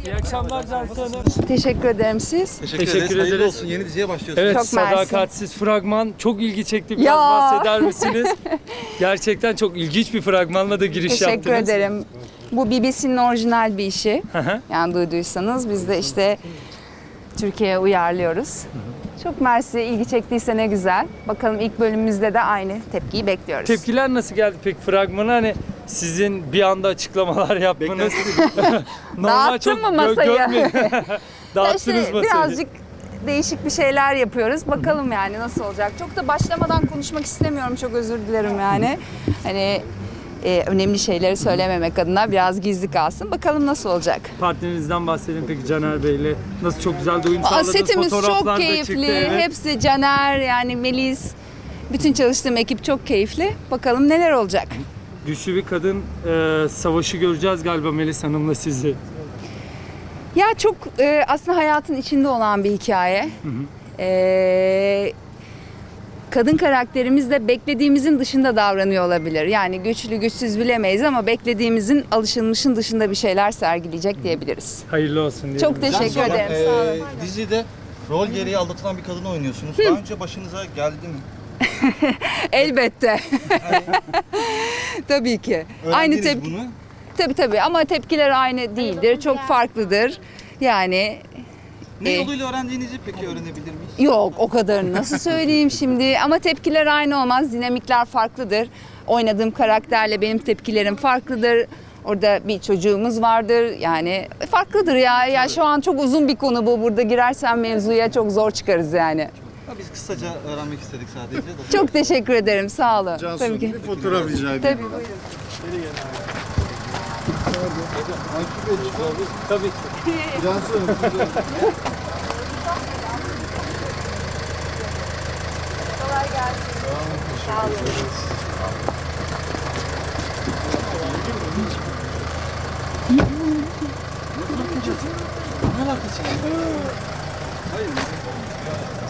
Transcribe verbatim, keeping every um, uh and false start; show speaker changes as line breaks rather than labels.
İyi akşamlar Cansu Hanım.
Teşekkür ederim siz.
Teşekkür,
Teşekkür
ederiz. Hayırlı
ederiz.
olsun. Yeni diziye başlıyorsunuz.
Evet,
Çok
sadakatsiz fragman çok ilgi çekti. Biraz
Ya.
bahseder misiniz? Gerçekten çok ilginç bir fragmanla da giriş
Teşekkür
yaptınız.
ederim. Bu B B C'nin orijinal bir işi.
Hı hı.
Yani duyduysanız biz de işte Türkiye'ye uyarlıyoruz. Çok mersi, ilgi çektiyse ne güzel. Bakalım ilk bölümümüzde de aynı tepkiyi bekliyoruz.
Tepkiler nasıl geldi peki fragmana? Hani sizin bir anda açıklamalar yapmanız.
Dağıttın mı masayı?
görmedim.
Ya
Dağıttınız
işte
masayı.
birazcık değişik bir şeyler yapıyoruz. Bakalım yani nasıl olacak. Çok da başlamadan konuşmak istemiyorum. Çok özür dilerim yani. Hani e, önemli şeyleri söylememek adına biraz gizli kalsın. Bakalım nasıl olacak.
Partnerinizden bahsedin peki Caner Bey'le. Nasıl çok güzel de uyum
Aa,
sağladınız.
setimiz
Fotoğraflar
çok
da
keyifli.
çıktı, evet.
Hepsi Caner yani Melis. Bütün çalıştığım ekip çok keyifli. Bakalım neler olacak.
Güçlü bir kadın e, savaşı göreceğiz galiba Melis Hanım'la sizi.
Ya çok e, aslında hayatın içinde olan bir hikaye. E, kadın karakterimiz de beklediğimizin dışında davranıyor olabilir. Yani güçlü güçsüz bilemeyiz ama beklediğimizin alışılmışın dışında bir şeyler sergileyecek diyebiliriz.
Hayırlı olsun diyelim.
Çok teşekkür
Cansu Hanım,
ederim. Sağ olun.
e, dizide rol gereği aldatılan bir kadını oynuyorsunuz. Daha önce başınıza geldi mi?
Elbette. Tabii ki. Aynı
Öğrendiniz
tepki.
bunu.
Tabii tabii ama tepkiler aynı değildir. Çok farklıdır. Yani
Ne
e,
yoluyla öğrendiğinizi peki öğrenebilir miyiz?
yok o kadarını nasıl söyleyeyim şimdi ama tepkiler aynı olmaz. Dinamikler farklıdır. Oynadığım karakterle benim tepkilerim farklıdır. Orada bir çocuğumuz vardır. Yani farklıdır ya. Ya şu an çok uzun bir konu bu. Burada girersem mevzuya çok zor çıkarız yani.
Ha, biz kısaca öğrenmek istedik sadece. de.
Çok teşekkür ederim. Sağ olun.
Cansu,
Tabii ki.
bir fotoğraf rica edeyim.
Tabii buyurun.
Tabii ki.
Cansu Hanım, siz-
Kolay gelsin. Sağ olun.
Ne alakası var? Hayır.